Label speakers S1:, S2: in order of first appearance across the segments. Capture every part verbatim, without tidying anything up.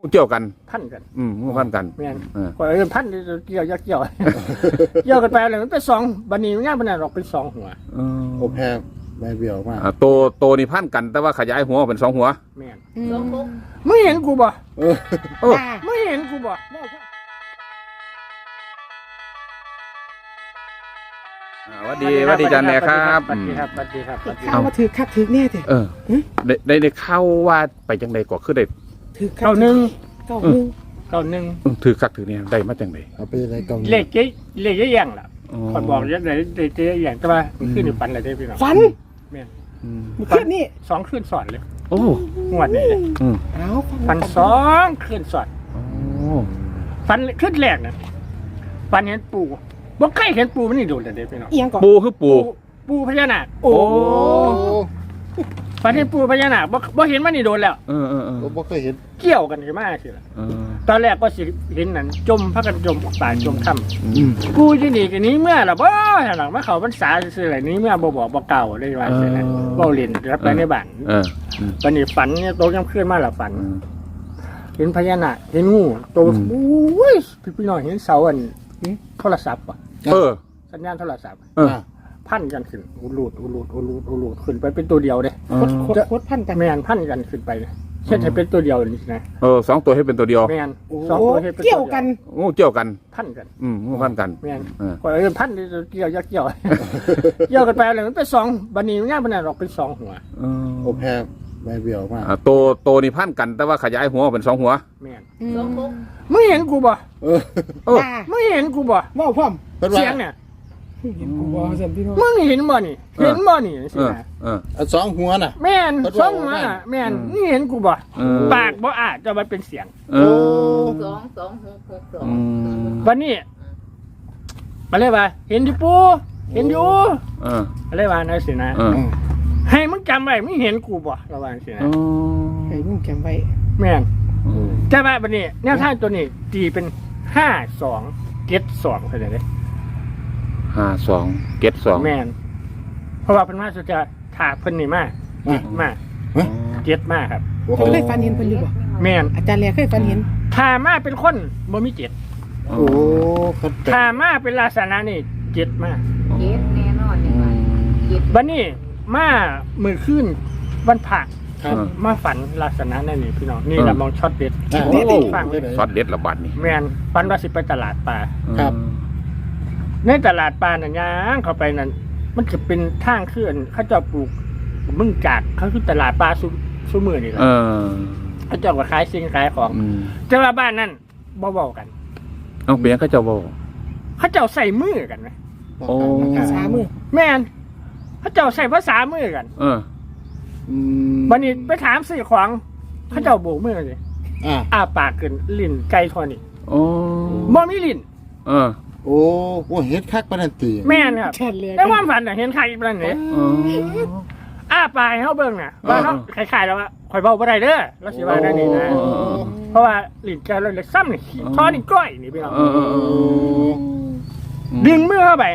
S1: เกี่ยวกัน
S2: พันกัน
S1: อืมพันกัน
S2: แม่นก็เออพันเกี่ยวยักเกี่ยวเกี่ยวกันไปเลยมันเป็นสองบันนี้ง่ายบันนั้นออกเป็นสองหัว
S3: โอ้แพ้ใบเบี้ยวมาก
S1: โตโตนี่พันกันแต่ว่าขยายหัวเป็นสองหัว
S2: แม่นไม่เห็นกูบ่เออไม่เห็นกูบ่
S1: สวัสดีสวัสดีจันแน่ครับ
S2: สวัสดีครับสวัสดีครับ
S4: ข้าวมาถือคักถือแน่เถอะ
S1: เออได้ได้ได้เข้าว่าไปจังใดก็คือได้
S4: ถือ
S2: เก้าหนึ่ง
S4: เก้าหนึ่ง
S2: เก้าหนึ่ง
S1: ถือคักถือเนี่ยได้มาจังใด
S3: เอาไปอะไรกล่อง
S2: เลขเจ๊เลขเจ๊ยังล่ะคอยบอกเจ๊ไหนเจ๊ยังแต่ว่าขึ้นอยู่ฝันอะไรได้พี่น้อง
S4: ฝัน
S2: แม่น
S4: คืนนี้
S2: สองคืนสอนเลย
S1: โอ้
S2: งวดนี้เลย
S4: เอา
S2: ฝันสองคืนสอนฝันคืนแรกนะฝันเห็นปู่บ่ใครเห็นปูมันนี่โดนแต่เด็กพี่น้อง
S1: ปูคือปู
S2: ปูพญานาคโอ้ฝันเห็นปูพญานาคบ่บ่เห็นมันนี่โดนแล้ว
S1: เออเออเออ
S3: บ่เคยเห็น
S2: เกี่ยวกันขึ้นมาสิล่ะตอนแรกก็สิเห็นนั่นจมพากันจมป่าจมถ้ำกูอยู่นี่กันนี้เมื่อล่ะบ่หลังมาเข้าพรรษาซื่อๆอะไรนี้เมื่อบ่บอกบ่เก่าได้ว่าซั่นน่ะเว้าเล่นรับไปในบ้านเออวันนี้ฝันเนี่ยโตยังขึ้นมาล่ะฝันเห็นพญานาคเห็นงูโตโอ้ยพี่น้องเห็นเสาอันโทรศัพท์ป่ะ
S1: เออ
S2: สัญญาณโทรศัพท์พันกันขึ้นอุลูดอุลูดอุลูดอุลูดขึ้นไปเป็นตัวเดียวเลย
S4: โคตรพันกัน
S2: แมนพันกันขึ้นไปเช่นให้เป็นตัวเดียวนี่นะ
S1: เออสองตัวให้เป็นตัวเดียว
S2: แมนสองตัวให้เป็น
S4: เกี่ยวกัน
S1: โอ้เกี่ยวกัน
S2: พันกัน
S1: อืมพันกัน
S2: แมนก็เออพันเกี่ยวยักเกี่ยวเกี่ยวกันไปเลยมันเป็นสองบันนี้ง่ายบันนั้นออกเป็นสองหัว
S3: โอ้แพ้ใบเบี้ยวมาก
S1: โตโตนี่พันกันแต่ว่าขยายหัวเป็นสองหัว
S2: แมนไม่เห็นกูบ่เออไม่เห็นกูบ่
S4: ว่าพร้อม
S2: เสียงเนี่ย
S4: เห็นกูบ่สันพี่น้อง
S2: มึงเห็นบ่นี่เห็นบ่นี่สินะ
S3: เออสองหัวน่ะ
S2: แม่นสองหัวน่ะแม่นนี่เห็นกูบ่ปากบ่อาจจะมาเป็นเสียง
S1: โอ้
S5: สองสองหกหกสอง
S2: วันนี้มาเลยว่าเห็นอยู่ปูเห็นอยู่อะไรวะนั่นสินะให้มึงจำไว้มึงเห็นกูบ่ระวังสินะ
S4: ให้มึงจำไว้
S2: แม่นแต่ว่าวันนี้แนวทางตัวนี้ตีเป็นห้าสองเจ็ดสองเข้าใจไหม
S1: ห้าสองเจ็ดสอง
S2: แม่นเพราะว่าเป็นมาสุดจะถาเพิ่นนี่มากเจ็ดมากเจ็ดมากครับ
S4: เคยฝันเห็นเพิ่นอยู่บ่
S2: แม่น
S4: อาจารย์แลเคยฝันเห็น
S2: ถามาเป็นคนบ่มีเจ็ด
S3: โอ้
S2: ถามาเป็นลักษณะนี่เจ็ดมาก
S5: เจ็ดแน่นอนนี่ว่า
S2: เจ็ดวันนี้มามือขึ้นวันผักมาฝันลักษณะนั่นนี่พี่น้องนี่เรามองช็อตเด็ด
S1: ฟังช็อตเด็ดระบาดนี่
S2: แม่นฝันว่าสิไปตลาดปลา
S3: ครับ
S2: ในตลาดปลาเนี่ยย่างเข้าไปนั่นมันจะเป็นทางขึ้นเขาจะปลูกมึงจากเขาคือตลาดปลาซุซุมือนี่แหละเขาจะมาขายสิ่งขายของแต่ว่าบ้านนั่นบ่เบากัน
S1: เอาเปลี่ยนเขาจะบ่
S2: เขาจะใส่มือกันไหม
S1: โอ้
S4: ภาษามือ
S2: แม่นเขาจะใส่ภาษามือกัน
S1: เออ
S2: วันนี้ไปถามสื่อของเขาจะโบกมือเลยอ้าปากขึ้นลิ้นไก่ทอนี่
S1: โอ้
S2: บ่มีลิ้น
S1: เออ
S3: โอ้โหเห็นคักปานนั้นติ
S2: แม่นครับในความฝันน่ะเห็นใครปานนี้อ้าปากให้เฮาเบิ่งน่ะว่าเฮาคล้ายๆแล้วว่าข่อยเว้าบ่ได้เด้อแล้วสิว่านั่นนี่นะเพราะว่าลิ้นแกเราเล็กซ้ำนี่ทอนี่ก้อยนี่พี่น้องดึงมือเข้าไป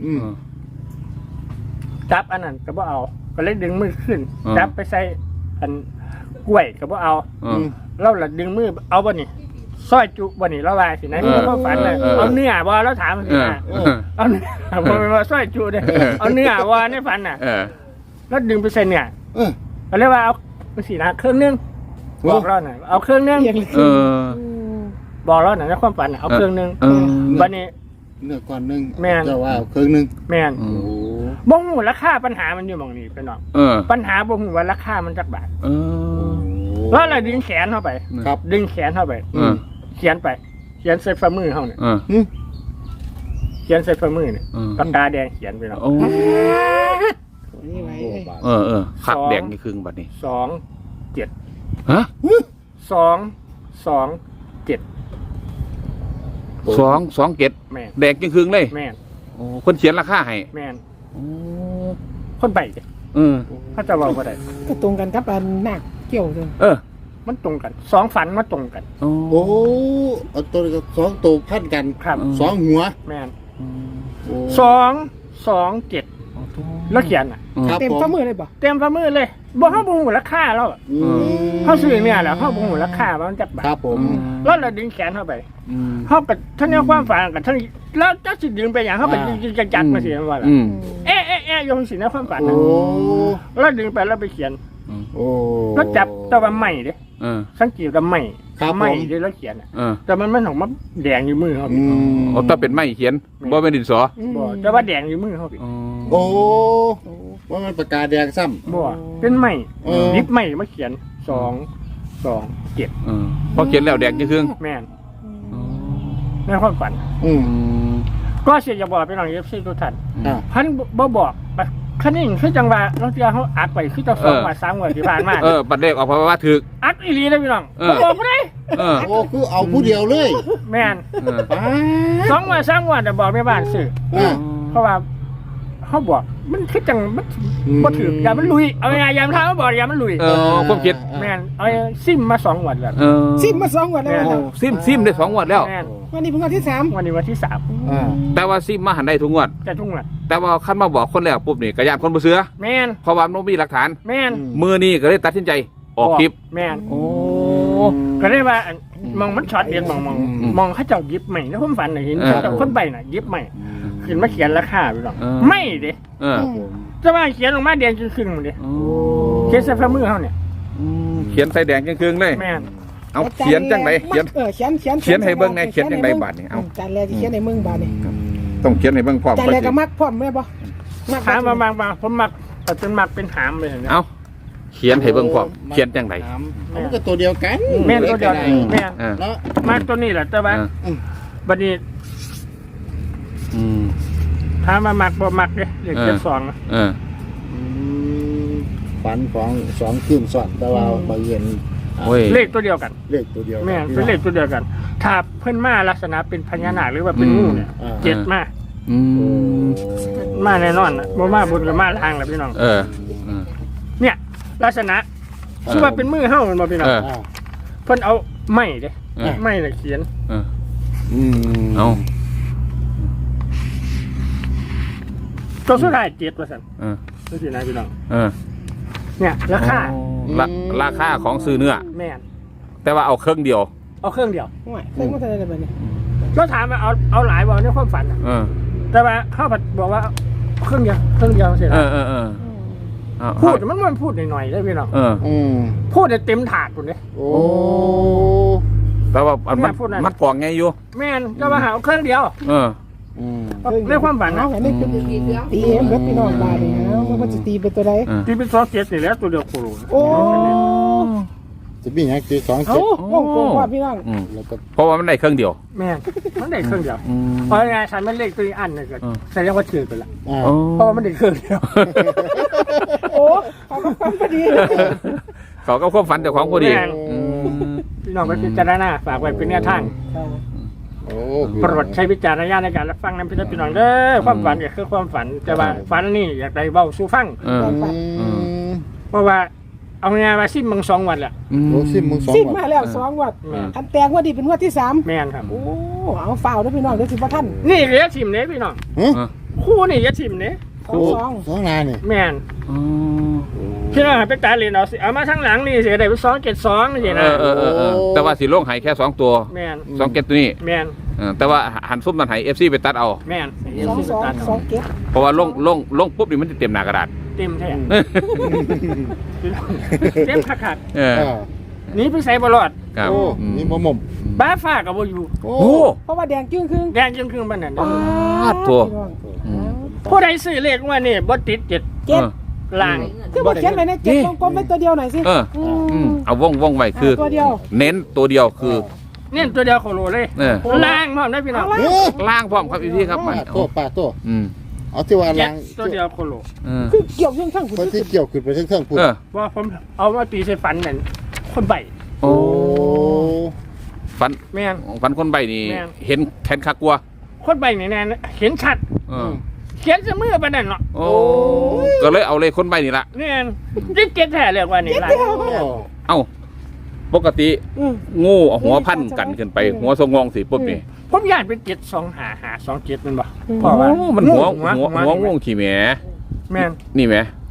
S2: จับอันนั้นก็บ่เอาก็เลยดึงมือขึ้นจับไปใส่อันกล้วยก็บ่เอาแล้วล่ะดึงมือเอาบ่นี่ซอยจุบ่นี่แล้วว่าสินะนี่ก็ฝันน่ะเอาเนื้อบ่แล้วถามสินะเอาเนื้อบ่ว่าซอยจุเด้เอาเนื้อบ่ในฝันน่ะแล้วดึงไปใส่เนื้อก็เลยว่าเอาสินะเครื่องนึงบอกเราหน่อยเอาเครื่องนึง
S1: เออ
S2: บอกเราหน่อยในความฝันเอาเครื่องนึงบัดนี้
S3: เนื้อก่อนนึง
S2: เ
S3: จ้าว่าเครื่องนึง
S2: แม่นบ่ฮู้ราคาปัญหามันอยู่หม่องนี้พี่น้องปัญหาบ่ฮู้ว่าราคามันจักบาท
S1: เออ
S2: แล้วเราดึงแขนเข้าไป
S3: ครับ
S2: ดึงแขนเข้าไปเขียนไปเขียนใส่ฝ่ามือเขาเนี่ยเขียนใส่ฝ่ามือเนี่ยปากกาแดงเขียนไปแล้ว
S1: เออเออขัดแดงนี่ครึ่งบัดนี้
S2: สองเจ็ด
S1: ฮะ
S2: สองสองเจ็ด
S1: สองสองเจ็ดแดงครึ่งเลย
S2: แม่น
S1: โอ้คนเขียนราคาให้
S2: แม่นคนไป
S1: เออ
S2: เขาจะบอกว่าได้
S4: ก็ตรงกันครับอันหนักเกี่ยวเลย
S2: เออมันตรงกันสองฝันมาตรงกัน
S3: โอ้เอาตัวกับสองตัวพันกัน
S2: ครับ
S3: สองหัว
S2: แม่นสองสองเจ็ดแล้วเขียนอ่ะ
S3: ครับ
S4: เต็ม
S3: ผม
S4: ฝ่ามือเลยบ่
S2: เต็มฝ่ามือเลยบ่เฮาบ่ฮู้ราคาแล้ว
S3: อืม
S2: เฮาซื้อเนี่ยแหละเฮาบ่ฮู้ราคาว่ามันจักบาท
S3: ครับผม
S2: แล้วเราดึงแขนเข้าไป
S1: อืม
S2: เฮาก็ท่านเนี่ยความฝันกับท่านแล้วจักสิดึงไปหยังเฮาไปจักๆมาสิว่าล่ะ
S1: อืม
S2: เอ๊ะเอ๊ะเอ๊ะยงสินะความฝัน
S3: โอ้
S2: น่ะแล้วดึงไปแล้วไปเขียน
S3: โอ้
S2: แล้วจับแต่ว่าใหม่เด้
S1: เออ
S2: สังเกตว่าใหม่
S3: ครับ
S2: ใหม่
S3: ผม
S2: เด้แล้วเขียนน่ะ
S1: เออ
S2: แต่มันมันของมันแดงอยู่มือเฮา
S3: อืม
S1: เอาถ้าเป็นไม้เขียนบ่เป็นดินสอ
S2: บ่แต่ว่าแดงอยู่มือเฮาพี่
S1: อ๋อ
S3: โอ้ว่ามันประกาศแดงซ้ำ
S2: บ่เป็นใหม่
S3: เออ
S2: ยิบใหม่มาเขียนสองสองเจ็ด
S1: เออพอเขียนแล้วแดงจะครึ่ง
S2: แม่นในความฝัน
S3: อืม
S1: อืม
S2: ก็เสียจะบอกไปน้อง เอฟ ซี ทุกท่าน
S3: อ่า
S2: พันบ่บอกแบบคันนี้คือจังหวะเราเจอเขาอักไปคือจะสองว่าสามวันที่ผ่านมา
S1: เออปัดเลขออกเพราะว่าถึก
S2: อักอีหลีนะพี่น้อง
S1: เออ
S2: บ่บอกบ่ได้
S1: เออ
S3: โอ้คือเอาผู้เดียวเลย
S2: แม่น
S1: เออ
S3: ป้า
S2: สองวันสามวันแต่บอกไม่บ้านซื้อ
S3: อ่า
S2: เพราะว่าเขาบอกมันคือจังมันบ่ถืออย่ามันลุยเอาไงยามท้าเขาบอกอย่ามันลุย
S1: เออความคิด
S2: แม่นเอาซิมมาสองวันแล้ว
S1: เออ
S4: ซิมมาสองวันแล้ว
S2: แม่
S1: โอ้
S4: นะ
S1: ซิมซิมได้สองงวดแล้ว
S2: แม่น
S4: วันนี้เป็นวันที่สาม
S2: วันนี้วันที่สาม
S3: อ่า
S1: แต่ว่าซิมมาหันได้ทุกงวด
S2: จะทุ่งละ
S1: แต่ว่าคันมาบอกคนแรกปุ๊บนี่กระยานคนบ่เสือ
S2: แม่น
S1: เพราะว่ามันบ่มีหลักฐาน
S2: แม่น
S1: มือนี่ก็เลยตัดสินใจออกคลิป
S2: แม่น
S1: โอ้
S2: ก็ได้ว่าอันมองมันช็อตเดียวมองมอง
S1: อืม
S2: มองเขาเจ้ายิบใหม่ในความฝันน่ะเห็น
S1: เออ
S2: เขาเจ้าคนใบน่ะยิบใหม่ขึ้นมาเขียนราคาไปหรอก
S1: เออ
S2: ไม่เด้
S1: เออ
S2: จะว่าเขียนลงมาแดงครึ่งๆหมดเด้
S1: โอ้
S2: เขียนใส่ฝ่ามือเขาเนี่ย
S1: เขียนใส่แดงครึ่งๆเลย
S2: แม่น
S1: เอาเขียนจังไดเขียน
S4: เออเขียนเขียน
S1: เขียนให้เบิ่งในเขียนจังใดบาดนี่เอา
S4: จานแรกที่เขียนในมึงบาดนี่
S1: ต้องเขียนให้เบิ่งพร้อม
S4: จาน
S1: ก่อน
S4: แรก
S1: สิ
S4: ก็มักพร้อมแม่บ่มัก
S2: ถามมาบางบางผมมักแต่เป็นมักเป็นหามเลยเห็นไหม
S1: เอาเขียนให้เบิ่งพร้อมเขียนจังได
S3: ถามมันก็ตัวเดียวกัน
S2: แม่นตัวเดียวแม่น
S1: เออ
S3: เนาะ
S2: มักตัวนี้แหละแต่ว่า
S1: เออ
S2: บัดนี้
S1: อืม
S2: ถามมามักบ่มักเด้เด็ก
S1: เออ
S2: เจ็ดสองนะ
S1: เออ
S3: อืมฝันของสองคืนซ้อนแต่ว่าบางเย็น
S1: โอ้ย
S2: เลขตัวเดียวกัน
S3: เลขตัวเดียวกั
S2: แม่นเป็นเลขตัวเดียวกัน ถ้าเพิ่นมาลักษณะเป็นพญานาคหรือว่าเป็นงูเนี่ย
S3: อ่า
S2: เจ็ดมา
S1: อื
S3: โอ้
S1: ม
S2: มาแน่นอนนะบ่มาบนกับมาล่างแหละพี่น้อง
S1: เออเออ
S2: เนี่ย ลักษณะคือว่าเป็นมือเฮามันบ่พี่น้อง
S1: เออ
S3: อ่า
S2: เพิ่นเอาไม้เด้
S1: เออ
S2: ไม้น่ะเขียน
S1: เออ
S3: อืม
S1: เอา
S2: ตัวสุดท้ายเจ็ดว่าซั่น
S1: เออ
S2: จังซี่นะพี่น้อง
S1: เออ
S2: เนี่ยราคา
S1: ราราคาของซื้อเนื้อ
S2: แม่น
S1: แต่ว่าเอาเครื่องเดียว
S2: เอาเครื่องเดียว
S4: โอ้ยเคยมาเท่าไหร่แล้วบัดนี้
S2: เราถามว่าเอาเอาหลายบ่ในความฝันน่ะ
S1: เออ
S2: แต่ว่าเขาผัดบอกว่าเอาเครื่องเดียวเครื่องเดียวเสร็จ
S1: เอ
S2: แล้ว
S1: อเออเออเอา
S2: พูดมันมันพูดหน่อยๆได้พี่น้อง
S1: เออ
S3: อืม
S2: พูดได้เต็มถาดพุ่นเด้
S3: โอ้
S1: แต่ว่าอันมัน
S2: พูดหน่อย
S1: มันกล่องไงอยู่
S2: แม่นก็ว่าหาเอาเครื่องเดียว
S1: เออ
S3: อืม
S2: ในความฝัน
S4: เอา
S2: นะ
S4: อันนี้เป็นตีเอ็มเบิดพี่น้องบาดนี่เอามันจะตีเป็นตัวใด
S1: เออ
S2: ที่เป็นซอสเจ็ดนี่แหล้วตัวเดียวโคโล
S4: โอ้
S3: จะมีอย่างที่สอง
S4: เอา
S3: เจ็ด
S4: วงกลมว่าพี่น้อง
S1: อืม
S3: แล้วก็
S1: เพราะว่ามันได้เครื่องเดียว
S2: แม่นมันได้เครื่องเดียว
S1: อืม
S2: เพราะไงฉันมันเลขตัวอีกอันนึงก็
S1: อืม
S2: แสดงว่าถือไปละ
S3: อ่า
S1: โอ้
S2: เพราะว่ามันได้เครื่องเดียว
S4: โอ้เขาก็ฟังพอดี
S1: เขาก็ควบฝันเจ้าของพอดี
S2: แม่น
S1: อืม
S2: พี่น้องไปพิจารณาฝากไว้เป็นแนวทาง
S3: โอ้
S2: โปรดใช้วิจารณญาณในการรับฟังนำพี่น้องเด้อความฝันก็คือความฝันแต่ว่าฝันนี่อยากได้เว้าสู่ฟัง
S1: เออ
S3: อืม
S2: เพราะว่าเอางานมาซิมมึงสองวันแหละ
S3: โอ้ซิมมึงสอง
S4: ซิม
S3: วัน
S4: มาแล้วสองวัด
S2: แม่น
S4: อันแตงว่าดีเป็นงวัดที่สาม
S2: แม่นครับ
S4: โอ้เอาฝ่าวด้วยพี่น้องเดี๋ยวสิบ่ท่าน
S2: นี่เหลือชิมเนี้พี่น้อง
S3: ฮะ
S1: เออ
S2: คู่นี่อย่าชิมเนี้
S4: สองสอง
S3: สองนานนี่
S2: แม่น
S1: อืม
S2: พี่น้องให้ไปตาเรียนเอาสิเอามาทั้งหลังนี่เสียได้ไปสองเจ็ดสองนี่สิ
S1: เอ
S2: นะ
S1: อเออเออเออแต่ว่าสีโล่งหายแค่สองตัว
S2: แม่น
S1: สองเก็ตตัวนี้
S2: แม่น
S1: เออแต่ว่าหันซุปมันหายเอฟซีไปตัดเอา
S2: แม่น
S4: สองสองสองเก็บ
S1: เพราะว่าลงลงลงปุ๊บนี่มันจะเต็มหน้ากระดาษ
S2: เต็มแท้พี่น้องเต็มขัด
S1: เออ
S3: อ่า
S2: ๆหนี่ไปใส่บอลอด
S1: ครับ
S3: โอ้
S1: อืม
S3: นี่บ่หม่อม
S2: บ้าฟ้ากับโบอยู่
S3: โอ้
S1: โอ้
S4: เพราะว่าแดงจึ้งครึ่ง
S2: แดงจังครึ่งบ้านนั่น
S4: อ้า
S1: ตัว
S4: พี่น้อง
S1: อืม
S2: ผู้ใดซื้อเลขว่านี่บ่ติดเจ็ด
S4: เก็บ
S2: ล่าง
S4: คือบอกเขียนไว้ในเจ็ดวงกลมไว้ตัวเดียวหน่อยสิ
S1: เออ
S4: อื
S1: อื
S4: ม
S1: มเอาว่องว่องไว้คือ
S4: ตัวเดียว
S1: เน้นตัวเดียวคือ
S2: เนี่ยตัวเดียวโคโลเลย
S1: เออ
S2: ล่างพร้อมได้พี่น้อง
S4: เอา
S3: เอ
S4: ล่ะ
S3: อ
S1: ล่างพร้อมครับพี่ครับมัน
S3: ป้าโตป้าโต
S1: อืม
S3: เอาที่ว่า
S2: เจ็
S3: ลั
S2: ด
S3: ง
S2: ตัวเดียวโคโล
S1: เออ
S4: คือเกี่ยวยังข้างคุณ
S3: คนที่เกี่ยวขึ้นไปเทั้งๆพูด
S1: เออ
S2: ว่าผมเอามาตีใส่ฟันนั่นคนใบ
S1: โอ้
S3: โอ้
S1: ฟัน
S2: แม่น
S1: ฟันคนใบนี่
S2: แม่น
S1: เห็นแขนขากลัว
S2: คนใบนี่แน่เห็นชัด
S1: เออ
S2: เขียนเสมือปานนั่นเนาะ
S1: โอ้ก็เลยเอาเลยคนใบนี่ละ
S2: เนี่ยยิ่งเก็ตแท้เรียกว่านี่ล่ะ
S1: เอ้าปกติ
S4: อืม
S1: งูเอาหัวพันกันขึ้นไป หัวทรงงองสิปุ๊บนี่
S2: ผมอยากเป็นเจ็ดสองหาหาสองเจ็ดมันบ่
S4: อืม
S2: เพราะว่า
S1: โอ้มันหัว
S2: หัว
S1: หัวหัวงงขี่แหม
S2: แม่น
S1: นี่แหม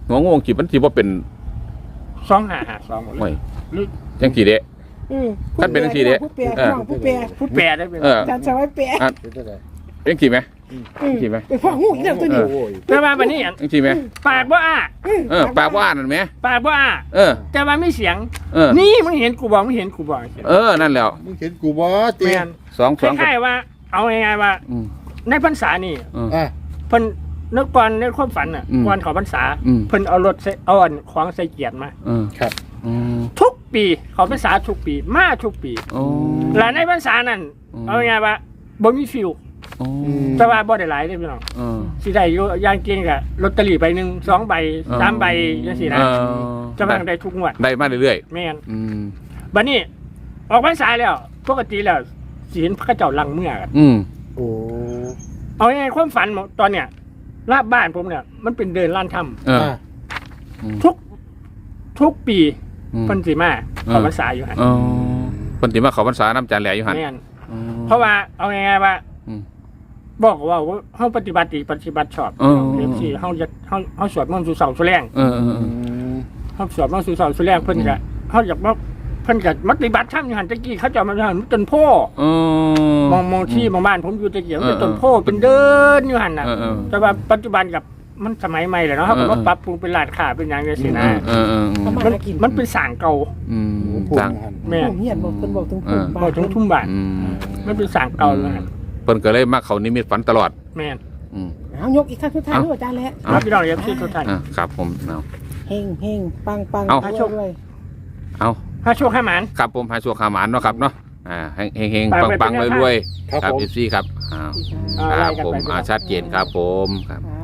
S1: หัวงูขีดมันสิบ่เป็น
S2: สองห้าห้าสองหมดเล
S1: โอ้
S2: ย
S1: ย
S2: หรือ
S1: จังกี่เด้
S4: อืม
S1: ท่านเป็นจังซี่เด้
S4: ผู้แปล
S1: เออ
S4: พ่อผู้แปล
S2: ผู้แปลได้เป็น
S1: เออ
S4: อาจารย์สวัยแปล
S1: อ่ะ
S3: เป็นจังได๋
S1: จังกี่ไหม
S4: อืม
S1: กี่ไหม
S4: เป็นพ่องูอีกแล้วตัวนี้
S3: โอ้ย
S2: แต่ว่าวันนี้อัน
S1: จังกี่ไหม
S2: ปากบ่อ้า
S1: เออปากว่านั่นไหม
S2: ปากบ่อ้า
S1: เออ
S2: แต่ว่าไม่เสียง
S1: เออ
S2: นี่มึงเห็นกูบอกมึงเห็นกูบอก
S1: เออนั่นแล้ว
S3: มึงเห็นกูบ่เตี
S2: แม่
S3: ย
S2: น
S1: สอง
S2: ค
S1: สอง
S2: ล้ายๆว่า เอาง่ายๆว่า
S1: อืม
S2: ในพรรษานี่
S1: เออ
S3: อ่ะ
S2: เพิ่นนึกก่อนในความฝันอ่ะ
S1: อืม
S2: ก่อนเขอพรรษา
S1: อืม
S2: เพิ่นเอารถใส่เอาอันของใส่เกียรติมา
S1: เออ
S3: ครับ
S1: อืม
S2: ทุกปีเขอพรรษาทุกปีมาทุกปี
S1: โอ้
S2: และในพรรษานั้น
S1: อืม
S2: เอาง่ายๆว่าบ่มีฟิว
S1: โอ้
S2: แต่ว่าบ่ได้หลายเด้อพี่น้อง
S1: เออ
S2: สิได้อยู่อย่างเก่งก็ลอตเตอรี่ใบหนึงสองใบสามใบจังซี่นะ
S1: เออ
S2: จะมาได้ทุกงวด
S1: ได้มาเรื่อย
S2: แม่น
S1: ๆอืม
S2: บัดนี้ออกพรรษาแล้วปกติแล้วสิเห็นพระเจ้าลังเมื่อกัน
S1: อืม
S3: โอ้
S2: เอาง่ายๆความฝันตอนเนี้ยลาบบ้านผมเนี่ยมันเป็นเดินล้านถ้
S1: เออ
S3: อ่ะ
S2: ำทุกทุกปี
S1: อืม
S2: เพิ่นสิมาเขอพรรษาอยู่หั่น
S1: เออเพิ่นสิมาเข้าพรรษาน้ำจานแหล่อยู่หั่น
S2: แม่น
S1: อืม
S2: เพราะว่าเอาง่ายๆว่า
S1: อืม
S2: บอกว่าเฮาปฏิบัติดีปฏิบัติชอบ
S1: เออ
S2: เรื่องที่เฮาจะเฮาเฮาสวดมนต์สู่เสาสู่แรง
S1: เออเออเอ
S3: อื
S1: อ
S3: ม
S2: เฮาสวดมนต์สู่เสาสู่แรงเพิ่นก็เฮาอยากว่าเพิ่นก็ปฏิบัติธรรมอยู่หั่นตะกี้เขาเจะมาอยู่หั่นต้นโพ
S1: เออ
S2: มองมองที่มองบ้านผมอยู่ตะเกียบ
S1: เออ
S2: เป็นต้นโพเป็นเดินอยู่หั่นน่ะ
S1: เออเออ
S2: แต่ว่าปัจจุบันกับมันสมัยใหม่แล้วเนาะเขาก็
S1: เออ
S2: มาปรับปรุงเป็นร้านค้าเป็นอย่างเงี้ยสินะ
S1: เออเออเออ
S2: มันมันเป็นสร้างเก่า
S1: อืม
S3: พูด
S1: ต่าง
S3: หัน
S2: แม่
S4: ผมเหียนบอกเพิ่นบอกถึงผมบ้า
S2: บอกถึงทุ่มบ้าน
S1: อืม
S2: มันเป็นสร้างเก่าแล้วนะ
S1: เพิ่นก็เลยมาเข้านิมิตฝันตลอด
S2: แม่น
S1: อืม
S4: เอายกอีกครั้งสุดท้ายด้วยอาจารย์แล้ว
S1: เอา
S2: รับพี่น้องเอฟซีทุกท่าน
S1: อ่ะครับผมเอา
S4: เฮงเฮงปังปัง
S1: เอา
S4: ด้วย
S1: เอา
S2: ถ้าโชคให้หมาน
S1: ครับผมหาชัวขาหมานเนาะครับเนาะอ่าเฮงเฮง
S2: ฝาก
S1: ปัง
S2: ไว้
S1: ปัง
S2: เป็นแนว
S1: รวย
S3: ครับ
S1: ๆครับ
S3: ผม
S1: เอฟซีครับอ้าว
S2: เอา
S1: ค
S2: ไล่
S1: รับ
S2: กัน
S1: ผม
S2: ไป
S1: อาชัดเจนครับผมครับ
S4: ครับ